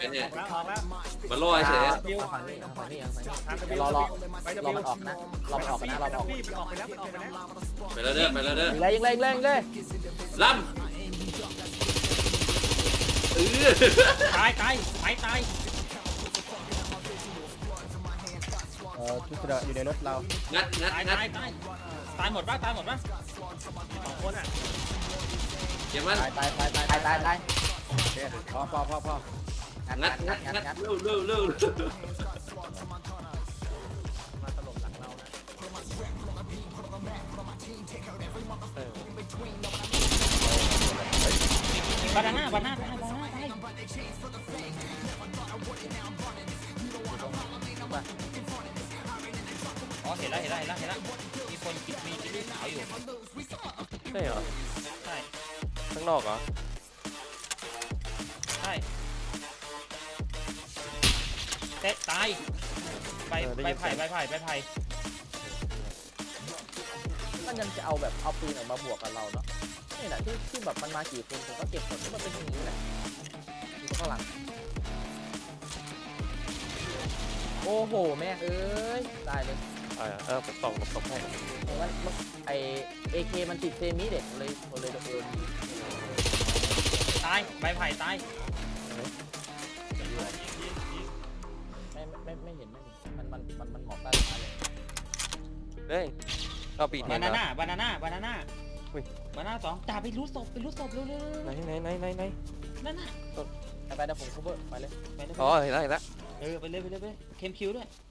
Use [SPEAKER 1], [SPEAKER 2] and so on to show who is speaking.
[SPEAKER 1] เนี่ย
[SPEAKER 2] ออกแล้ว
[SPEAKER 1] มันล่อเฉย
[SPEAKER 2] บิว
[SPEAKER 3] ฝั่งนี้ฝั่งนี้ฝั่งนี้
[SPEAKER 2] ทาง
[SPEAKER 3] รอรอ
[SPEAKER 2] ไป
[SPEAKER 3] ร
[SPEAKER 2] บิ
[SPEAKER 3] อ
[SPEAKER 2] ว
[SPEAKER 3] มันออกนะรอมันออกนะรอมันออก
[SPEAKER 2] มันออกไปแล้วมันออกไปแล้ว
[SPEAKER 1] ไปแล้วเด้อไปแล้วเด้อ
[SPEAKER 3] ยิงเลยยิงเลยยิงเลยยิงเลย
[SPEAKER 1] ล่ำ
[SPEAKER 2] ตายไปตาย
[SPEAKER 3] ทุกคนอยู่ในรถเรา
[SPEAKER 1] งัด
[SPEAKER 2] ตายหมดป่ะ2 คนอ่ะ
[SPEAKER 1] เก็บมัน
[SPEAKER 3] ตายพอ
[SPEAKER 1] งัด เร็ว
[SPEAKER 2] มาตลบหลังเรานะ บานาน่าตายอ๋อเห็นแล้วมีคนมีกิ๊กสาวอยู่
[SPEAKER 4] ใช่เหรอ
[SPEAKER 2] ใช่
[SPEAKER 4] ข้างนอกเหรอ
[SPEAKER 2] ใช่เตะตายใบไผ่
[SPEAKER 3] มันยังจะเอาแบบเอาปืนออกมาบวกกับเราเนาะนี่แหละที่แบบมันมากี่คนผมก็เก็บหมดมันเป็นอย่างนี้แหละอยู่ข้างหลังโอ้โหแม่เอ้ยตายเลย
[SPEAKER 4] ผมส่องหลบให้
[SPEAKER 3] มันไอAK มันติดเซมิเด็กเลยโดนยิง
[SPEAKER 2] ตายใบไผ่ตาย
[SPEAKER 3] ไม่เห็นมันหมอกใต้ท้ายเลย
[SPEAKER 4] เฮ้ยเอาปีก
[SPEAKER 2] บา
[SPEAKER 4] เนี่ย
[SPEAKER 2] นา
[SPEAKER 4] นะ
[SPEAKER 2] น่าบานาน่า
[SPEAKER 4] อุ้ย
[SPEAKER 2] บานาน่า2จ่าไปรูดศพเร็ว
[SPEAKER 4] ไหน
[SPEAKER 2] นั่นน่ะ
[SPEAKER 3] ไปเดี๋ยวผม cover ไปเลย
[SPEAKER 2] ไปเลย
[SPEAKER 4] อ๋อเห็นแล้ว
[SPEAKER 2] ไปเลยเคมคิวด้วย